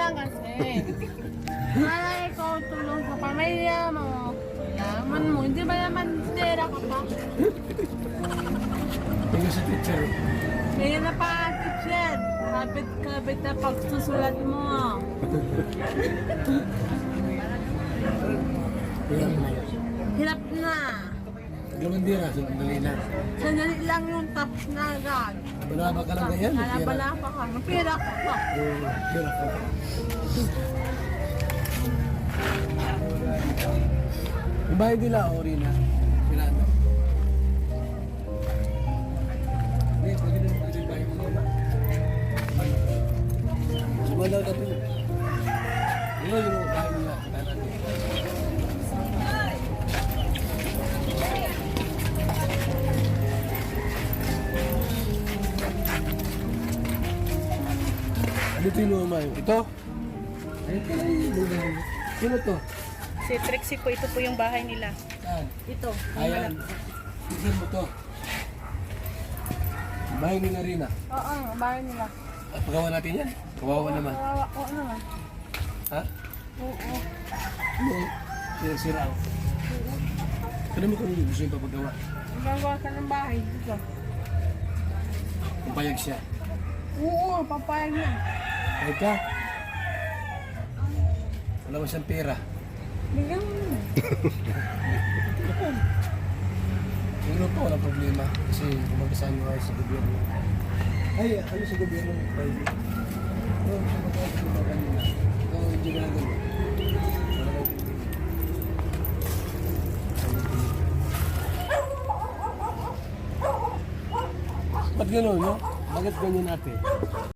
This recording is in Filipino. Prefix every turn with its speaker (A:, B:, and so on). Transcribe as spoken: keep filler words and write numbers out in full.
A: lang kasi. Para ikaw tulong sa pamilya mo. Yaman mo. Hindi ba naman tira ka pa?
B: Tingnan sa teacher.
A: Kaya na pa teacher. Kapit-kapit na pagsusulat mo.
B: Hirap na yun.
A: Hirap na.
B: Gamandira, sandali lang.
A: Sandali lang yung tapos na agad.
B: Balaba ka lang ganyan.
A: Kalabala pa ka. Mapira ka pa.
B: Oo, hirap ka. Yung bahay nila, ori na. Pinano. Hindi, pwede na pwede yung bahay mo na. Sumalaw na ito. Yun yung bahay nila. Tanan. Dito yung lumay. Ito? Ay, ito lang yung lumay. Sino to?
C: Si Trixie po, ito po yung bahay nila.
B: Saan?
C: Ito.
B: Ayan. Tignan mo to. Bahay ni Narina.
A: Oo, bahay nila.
B: At pagawa natin yan. Kawawa naman.
A: Oo, oo naman.
B: Ha?
A: Oo.
B: Ano? Sira-sira ako. Kaya mo kung gusto yung papagawa.
A: Gagawa ka ng bahay dito.
B: Kung payag siya.
A: Oo, papayag yan.
B: Payag ka. Wala mo siyang pera.
A: Bigyan mo na.
B: Siguro po, walang problema. Kasi kumagasahan nyo kayo sa gobyerno. Ay, ano sa gobyerno? Pwede. Oo, sa gobyerno kanina. Oo, hindi na lang ganun. Ba't gano'n, no? Bakit ganyan natin?